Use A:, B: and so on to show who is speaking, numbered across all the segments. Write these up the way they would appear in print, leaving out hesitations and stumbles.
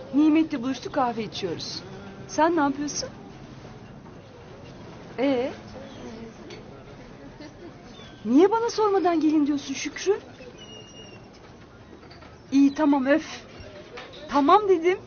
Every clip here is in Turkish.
A: Nimet'le buluştuk, kahve içiyoruz. Sen ne yapıyorsun? Niye bana sormadan gelin diyorsun Şükrü? İyi tamam öf. Tamam dedim.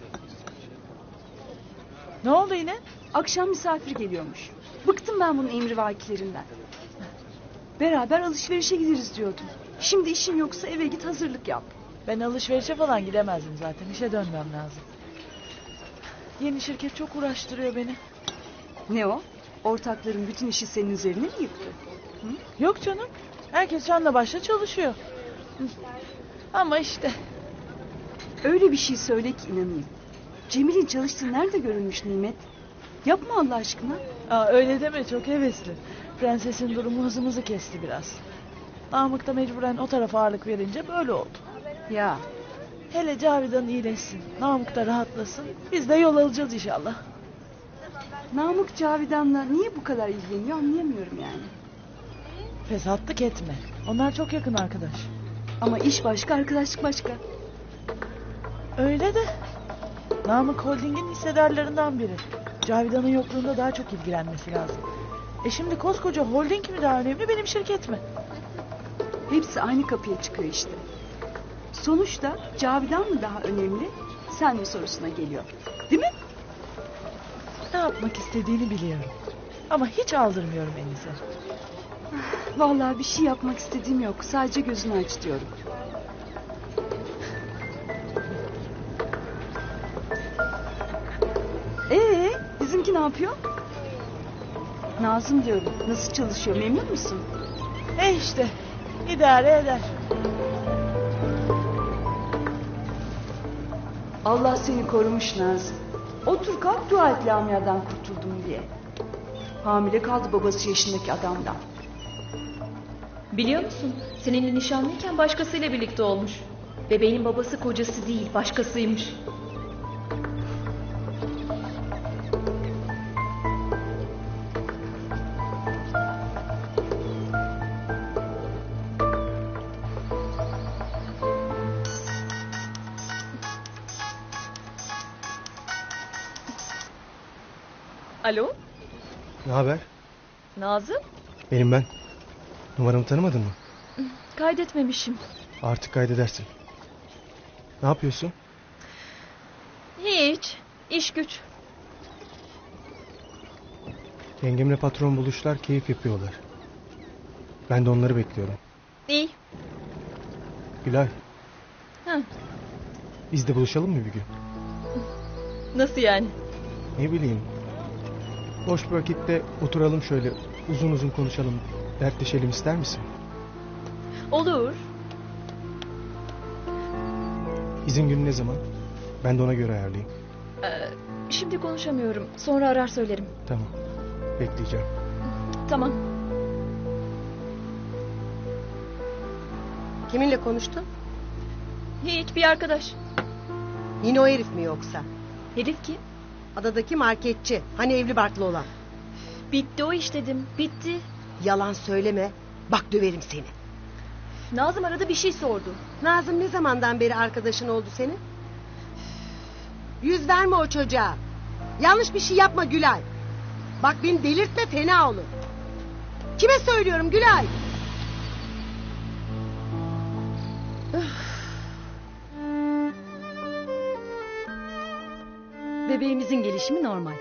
B: Ne oldu yine?
A: Akşam misafir geliyormuş. Bıktım ben bunun emrivakilerinden. Beraber alışverişe gideriz diyordum. Şimdi işin yoksa eve git, hazırlık yap.
B: Ben alışverişe falan gidemezdim zaten. İşe dönmem lazım. Yeni şirket çok uğraştırıyor beni.
A: Ne o? Ortakların bütün işi senin üzerine mi yıktı?
B: Yok canım. Herkes canla başla çalışıyor. Hı. Ama işte.
A: Öyle bir şey söyle ki inanayım. Cemil'in çalıştığı nerede görülmüş Nimet? Yapma Allah aşkına.
B: Öyle deme, çok hevesli. Prensesin durumu hızımızı kesti biraz. Namık da mecburen o tarafa ağırlık verince böyle oldu.
A: Ya
B: Hele Cavidan iyileşsin. Namık da rahatlasın. Biz de yol alacağız inşallah.
A: Namık Cavidan'la niye bu kadar ilgileniyor anlayamıyorum yani.
B: Fesatlık etme. Onlar çok yakın arkadaş.
A: Ama iş başka, arkadaşlık başka.
B: Öyle de Namık Holding'in hissedarlarından biri. Cavidan'ın yokluğunda daha çok ilgilenmesi lazım. Şimdi koskoca holding mi daha önemli, benim şirket mi?
A: Hepsi aynı kapıya çıkıyor işte. Sonuçta Cavidan mı daha önemli, sen mi sorusuna geliyor. Değil mi?
B: Ne yapmak istediğini biliyorum. Ama hiç aldırmıyorum Enis'e.
A: Vallahi bir şey yapmak istediğim yok. Sadece gözünü aç diyorum. Bizimki ne yapıyor? Nazım diyorum. Nasıl çalışıyor, memnun musun?
B: İşte idare eder.
A: Allah seni korumuş Nazım. Otur kalk dua et Lamia'dan kurtuldum diye. Hamile kaldı babası yaşındaki adamdan.
C: Biliyor musun? Seninle nişanlıyken başkasıyla birlikte olmuş. Bebeğin babası kocası değil, başkasıymış. Alo?
D: Ne haber?
C: Nazım?
D: Benim ben. Numaramı tanımadın mı?
C: Kaydetmemişim.
D: Artık kaydedersin. Ne yapıyorsun?
C: Hiç. İş güç.
D: Yengemle patron buluşlar, keyif yapıyorlar. Ben de onları bekliyorum.
C: İyi.
D: Gülay.
C: Hı.
D: Biz de buluşalım mı bir gün?
C: Nasıl yani?
D: Ne bileyim. Boş bir vakitte oturalım şöyle uzun uzun konuşalım. Dertleşelim, ister misin?
C: Olur.
D: İzin günü ne zaman? Ben de ona göre ayarlayayım.
C: Şimdi konuşamıyorum. Sonra arar söylerim.
D: Tamam. Bekleyeceğim.
C: Tamam.
E: Kiminle konuştun?
C: Hiç, bir arkadaş.
E: Yine o herif mi yoksa?
C: Herif kim?
E: Adadaki marketçi. Hani evli barklı olan.
C: Bitti o iş dedim. Bitti.
E: Yalan söyleme. Bak döverim seni.
C: Nazım arada bir şey sordu.
E: Nazım ne zamandan beri arkadaşın oldu senin? Yüz verme o çocuğa. Yanlış bir şey yapma Gülay. Bak beni delirtme, fena olur. Kime söylüyorum Gülay?
F: Bebeğimizin gelişimi normal.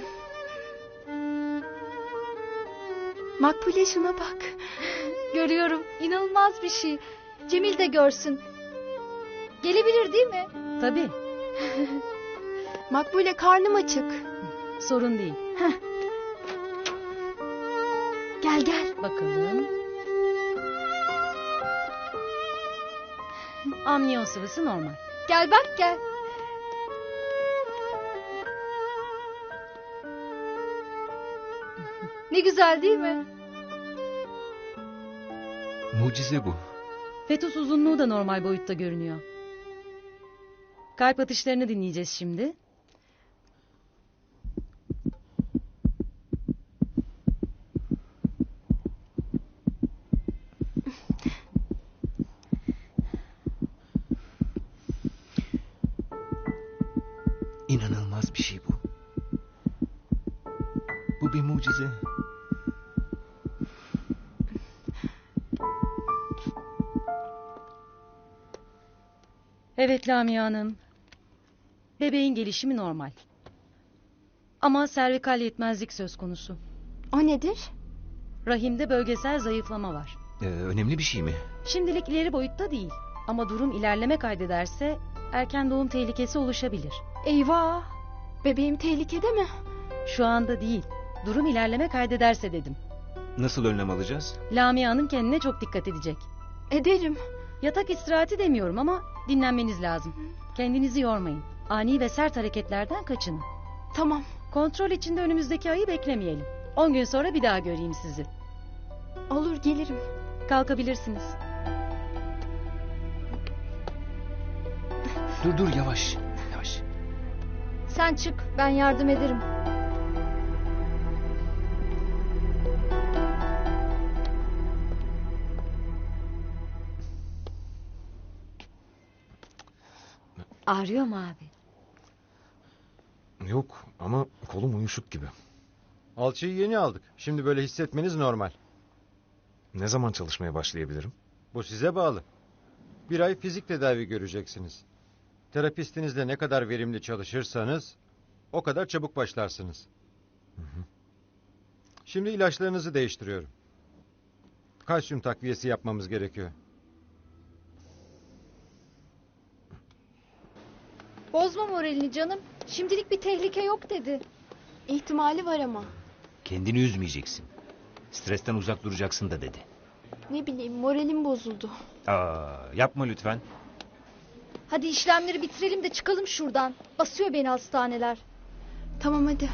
G: Makbule şuna bak. Görüyorum, inanılmaz bir şey. Cemil de görsün. Gelebilir değil mi?
F: Tabii,
G: Makbule karnım açık.
F: sorun değil.
G: Gel gel.
F: Bakalım. Amniyon sıvısı normal.
G: Gel bak gel. Ne güzel değil mi?
H: Mucize bu.
F: Fetüs uzunluğu da normal boyutta görünüyor. Kalp atışlarını dinleyeceğiz şimdi.
H: İnanılmaz bir şey bu. Bu bir mucize.
F: Evet Lamia Hanım. Bebeğin gelişimi normal. Ama servikal yetmezlik söz konusu.
G: O nedir?
F: Rahimde bölgesel zayıflama var.
H: Önemli bir şey mi?
F: Şimdilik ileri boyutta değil. Ama durum ilerleme kaydederse erken doğum tehlikesi oluşabilir.
G: Eyvah! Bebeğim tehlikede mi?
F: Şu anda değil. Durum ilerleme kaydederse dedim.
H: Nasıl önlem alacağız?
F: Lamia Hanım kendine çok dikkat edecek.
G: Ederim.
F: Yatak istirahati demiyorum ama dinlenmeniz lazım. Kendinizi yormayın. Ani ve sert hareketlerden kaçının.
G: Tamam.
F: Kontrol için de önümüzdeki ayı beklemeyelim. 10 gün sonra bir daha göreyim sizi.
G: Olur gelirim.
F: Kalkabilirsiniz.
H: Dur yavaş. Yavaş.
G: Sen çık ben yardım ederim.
I: Ağrıyor mu abi?
J: Yok ama kolum uyuşuk gibi. Alçıyı yeni aldık. Şimdi böyle hissetmeniz normal.
H: Ne zaman çalışmaya başlayabilirim?
J: Bu size bağlı. 1 ay fizik tedavi göreceksiniz. Terapistinizle ne kadar verimli çalışırsanız o kadar çabuk başlarsınız. Şimdi ilaçlarınızı değiştiriyorum. Kalsiyum takviyesi yapmamız gerekiyor.
G: Bozma moralini canım. Şimdilik bir tehlike yok dedi. İhtimali var ama.
H: Kendini üzmeyeceksin. Stresten uzak duracaksın da dedi.
G: Ne bileyim moralim bozuldu.
H: Yapma lütfen.
G: Hadi işlemleri bitirelim de çıkalım şuradan. Basıyor beni hastaneler. Tamam hadi.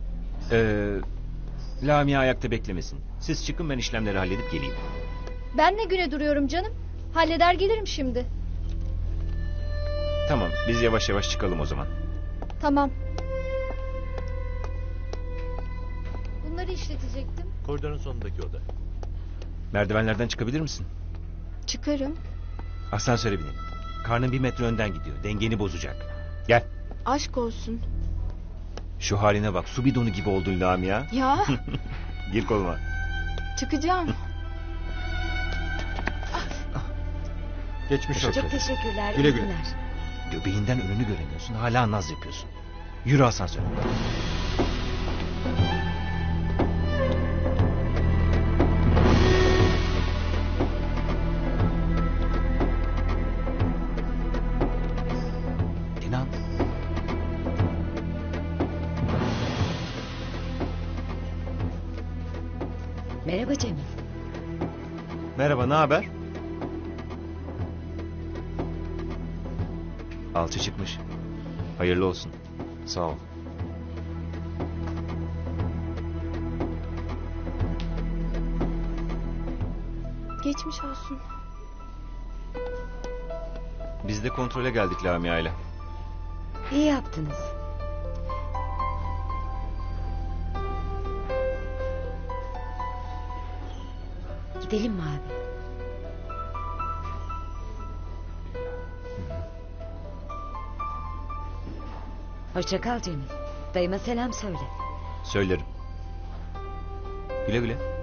H: Lamia ayakta beklemesin. Siz çıkın, ben işlemleri halledip geleyim.
G: Ben ne güne duruyorum canım? Halleder gelirim şimdi.
H: Tamam, biz yavaş yavaş çıkalım o zaman.
G: Tamam. Bunları işletecektim.
K: Koridorun sonundaki oda.
H: Merdivenlerden çıkabilir misin?
G: Çıkarım.
H: Asansöre binelim. Karnın 1 metre önden gidiyor. Dengeni bozacak. Gel.
G: Aşk olsun.
H: Şu haline bak. Su bidonu gibi oldun Lamia.
G: Ya
H: Gir koluma.
G: çıkacağım.
J: Geçmiş olsun.
I: Çok teşekkürler.
J: Güle
I: iyi
J: güle.
I: günler.
H: Göbeğinden önünü göremiyorsun. Hala naz yapıyorsun. Yürü asansöre. İnan.
I: Merhaba Cemil.
H: Merhaba, ne haber? Alçı çıkmış. Hayırlı olsun. Sağ ol.
G: Geçmiş olsun.
H: Biz de kontrole geldik Lamia ile.
I: İyi yaptınız. Gidelim mi abi? Hoşça kal Cemil. Dayıma selam söyle.
H: Söylerim. Güle güle.